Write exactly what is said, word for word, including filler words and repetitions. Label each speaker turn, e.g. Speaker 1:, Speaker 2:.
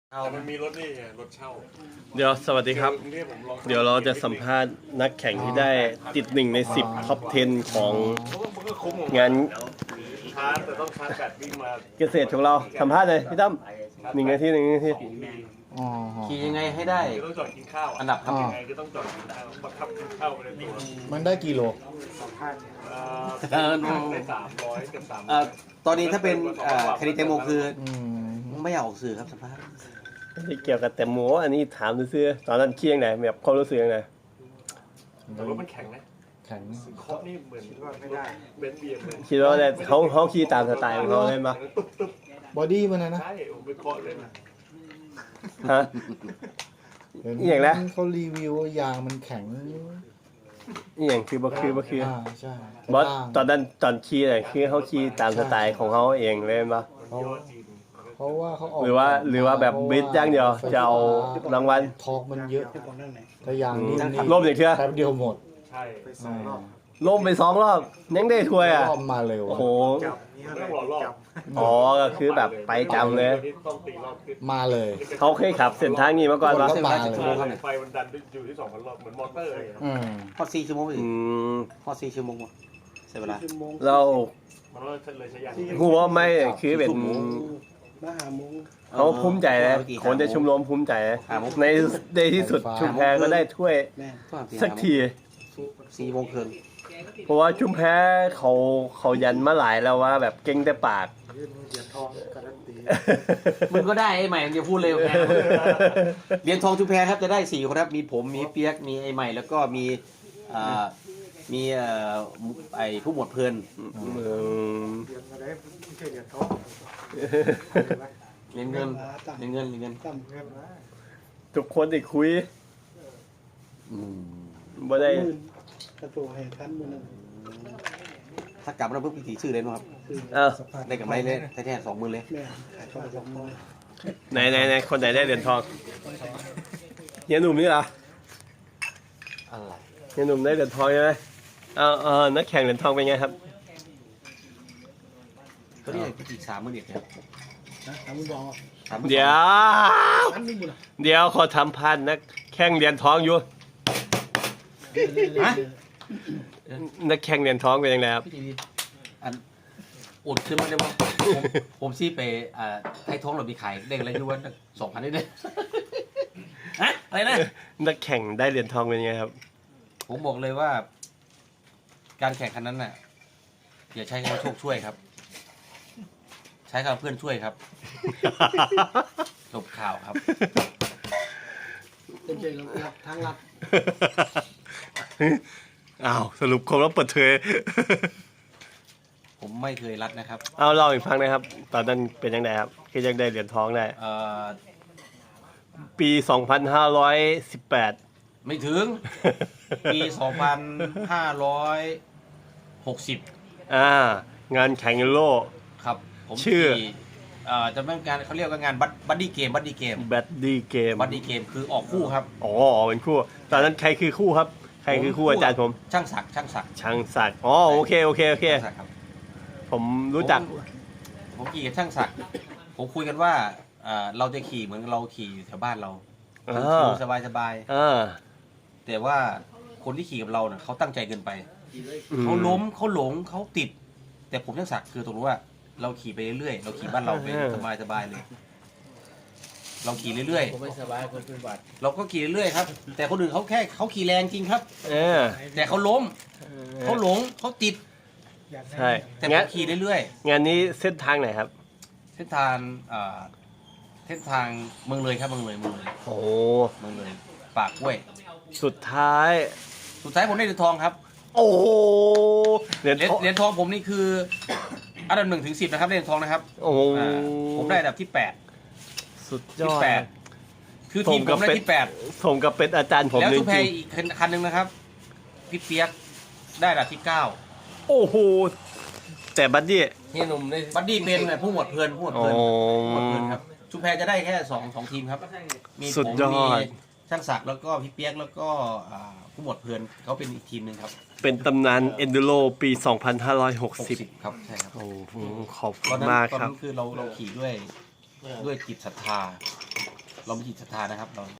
Speaker 1: เอามันมีรถนี่ไงรถเช่า
Speaker 2: เดี๋ยวสวัสดีครับ เดี๋ยวเราจะสัมภาษณ์นักแข่งที่ได้ติดหนึ่งในสิบท็อปสิบของงาน
Speaker 1: ชาร์จแต่ต้องชาร์จแบตวิ่งมา
Speaker 2: เกษตรของเราสัมภาษณ์เลยพี่ตั้มหนึ่งนาทีหนึ่งนาที
Speaker 3: ขี่ยังไงให้ได้
Speaker 1: ต้องจอดกินข้าว
Speaker 3: อันดับครับ
Speaker 1: ยังไงก็ต้องจอดกินข้าวบังคับกินข้าวไปในตัว
Speaker 4: มันได้กี่โล
Speaker 1: ได้สามร้อยกับสาม
Speaker 3: ตอนนี้ถ้าเป็นคดีแตงโมคือไม่อยากออกสื่อครับสัมภาษณ์
Speaker 2: ไม่เกี่ยวกับแต่หมูอันนี้ถามซื้อตอนนั้นเคียงไหนแบบความรู้สึกยังไง
Speaker 1: แต่รถมันแข็งนะ
Speaker 4: แข็ง
Speaker 1: เคาะนี่เหมือนว่าไม่ได้เบนซ์เบียร์เหมือน
Speaker 2: คิดว่าเนี่ยเขาเขาขี่ตามสไตล์ของเขาเลยมั้ย
Speaker 4: บอดี้มันนะ
Speaker 1: ใช่ผมไปเคาะเลยนะ
Speaker 2: ฮะอย่างไร
Speaker 4: เขารีวิวยางมันแข็ง
Speaker 2: อย่างคือบ่คือบ่คือ
Speaker 4: ใช่
Speaker 2: บอสตอนนั้นตอนขี่เนี่ยคือเขาขี่ตามสไตล์ของเขาเองเลยมั้ย
Speaker 4: เพราะว่าเขาออก
Speaker 2: หรือว่าหรือว่าแบบบิดอย่างเดียวจะเอารางวัล
Speaker 4: ทอกมันเยอะแต่อย่างนี้
Speaker 2: ล่มอย่างเชื่อ
Speaker 4: แป๊บเดียวหมด
Speaker 1: ใช่
Speaker 2: ล่มไปสองรอบยังได้ถ้วยอ่ะ
Speaker 4: รอบมาเร็ว
Speaker 2: โอ้โห
Speaker 1: อ๋
Speaker 2: อก็คือแบบไปจำเลย
Speaker 4: มาเลย
Speaker 2: เขาเคยขับเส้นทางนี้มาก่อนปะ
Speaker 4: มาเลย
Speaker 1: ไฟมันดันอยู่ที่สองพันรอบเหมือนมอเตอร์เลย
Speaker 3: พอสี่ชั่วโมงสิพอสี่ชั่วโมงใช่เวลา
Speaker 2: เราหัวไม่คือเป็น
Speaker 1: มาหามุ้ง
Speaker 2: เขาภูมิใจเลยคนจะชุมนุมภูมิใจในในที่สุดชุมแพก็ได้ถ้วยสักที
Speaker 3: สี่โมงครึ่ง
Speaker 2: เพราะว่าชุมแพเขาเขายันมาหลายแล้วว่าแบบเก่งแต่ปาก
Speaker 3: มึงก็ได้ไอ้ใหม่มึงจะพูดเร็วแค่เหรียญทองชุมแพครับจะได้สี่คนครับมีผมมีเปียกมีไอ้ใหม่แล้วก็มีอ่ามีเอ่อไอ้ผู้หมวดเพลินเรียนเงินเรียนเงินเรียนเงิน
Speaker 2: ทุกคนได้คุยบ่ได้
Speaker 1: กระตัวแห่คันมือนึง
Speaker 3: ถ้ากลับมาเพิ่มพิธีชื่อเลยนะครับได้กับไรเลยแท้ๆสองหมื่นเลย
Speaker 2: ไหนไหนไหนคนไหนได้เหรียญทองเฮียหนุ่มนี่เหรอ
Speaker 3: อะไร
Speaker 2: เฮียหนุ่มได้เหรียญทองใช่ไหมเออเออนักแข่งเหรียญทองเป็นไงครับ
Speaker 3: ก็นี่พิธีสามหมื่นเอ็ดครับ
Speaker 2: เดี๋ยวเดี๋ยวเขาทำพันนักแข่งเหรียญทองอยู่นักแข่งเหรียญทองเป็นยังไงครับ
Speaker 3: อันอุดขึ้นมาได้ไหมผมซี่ไปอ่าให้ท้องเรามีขายได้อะไรที่ว่าสองพันได้เลยฮะอะไรนะ
Speaker 2: นักแข่งได้เหรียญทองเป็นยังไงครับ
Speaker 3: ผมบอกเลยว่าการแข่งขันนั้นน่ะอย่าใช้คำว่าโชคช่วยครับใช้คำเพื่อนช่วยครับจบข่าวครับ
Speaker 1: เป็นเจรับทางลับ
Speaker 2: อ้าวสรุปคมแล้วเปิดเผย
Speaker 3: ผมไม่เคยรัดนะครับ
Speaker 2: เอาเล่าอีกครั้งนะครับตอนนั้นเป็นยังไงครับคือยังได้เหรียญทองได้ปีสองพันห้าร้อยสิบแปด
Speaker 3: ไม่ถึงปีสองพันห้าร้อยหกสิบ
Speaker 2: อ่างานแข่งยูโร
Speaker 3: ครับผม
Speaker 2: ชื่อ
Speaker 3: จะเป็นการเขาเรียกว่างานบัดดี้เกมบัดดี้เกม
Speaker 2: บัดดี้เกม
Speaker 3: บัดดี้เกมคือออกคู่ครับ
Speaker 2: อ๋อเป็นคู่ตอนนั้นใครคือคู่ครับใครคือคู่อาจารย์ผม
Speaker 3: ช่างศักดิ์ช่างศักดิ์
Speaker 2: ช่างศักดิ์อ๋อโอเคโอเคโอเคผมรู้จัก
Speaker 3: ผมขี่กับช่างศักดิ์ผมคุยกันว่าเราจะขี่เหมือนเราขี่แถวบ้านเราสบายสบายแต่ว่าคนที่ขี่กับเราเนี่ยเขาตั้งใจเกินไปเขาล้มเขาหลงเขาติดแต่ผมช่างศักดิ์คือตรงรู้ว่าเราขี่ไปเรื่อยๆเราขี่บ้านเราไปสบายสบายเลยเราขี่เรื่อยๆผมไม่สบายคนเป็นหวัดเราก็ขี่เรื่อยๆครับแต่คนอื่นเขาแค่เขาขี่แรงจริงครับแต่เขาล้มเขาหลงเขาติด
Speaker 2: ใช่
Speaker 3: แต่ผมขี่เรื่อย
Speaker 2: ๆงานนี้เส้นทางไหนครับ
Speaker 3: เส้นทางเส้นทางเมืองเลยครับเมืองเลยเมืองเลย
Speaker 2: โอ้
Speaker 3: เมืองเลยปากกล้วย
Speaker 2: สุดท้าย
Speaker 3: สุดท้ายผมได้เหรียญทองครับ
Speaker 2: โอ้โห
Speaker 3: เหรียญเหรียญทองผมนี่คืออันดับหนึ่งถึงสิบนะครับเหรียญทองนะครับ
Speaker 2: โอ้
Speaker 3: ผมได้อันดับที่แปด
Speaker 2: สุดยอด
Speaker 3: คือทีมผมได้ที่แปด
Speaker 2: ผมกับเป็นอาจารย์ผม
Speaker 3: แล้วชุมแพอีกคันหนึ่งนะครับพี่เปียกได้อันดับที่เก้า
Speaker 2: โอ้โหแต่บัดดี้
Speaker 3: เฮียหนุ่มในบัดดี้เป็นผู้หมวดเพลินผู้หมวดเพลินผู้หมวดเพลินครับชุมแพจะได้แค่สองสองทีมครับมีผมมีช่างศักดิ์แล้วก็พี่เปียกแล้วก็ผู้หมวดเพลินเขาเป็นอีกทีมหนึ่งครับ
Speaker 2: เป็นตำนานเอนดูโรปีสองพันห้าร้อยหกสิบ
Speaker 3: ครับใช่ครับ
Speaker 2: โอ้ขอบคุณมากครับ
Speaker 3: ตอนนั้นคือเราเราขี่ด้วยด้วยจิตศรัทธาเรามีจิตศรัทธานะครับเรา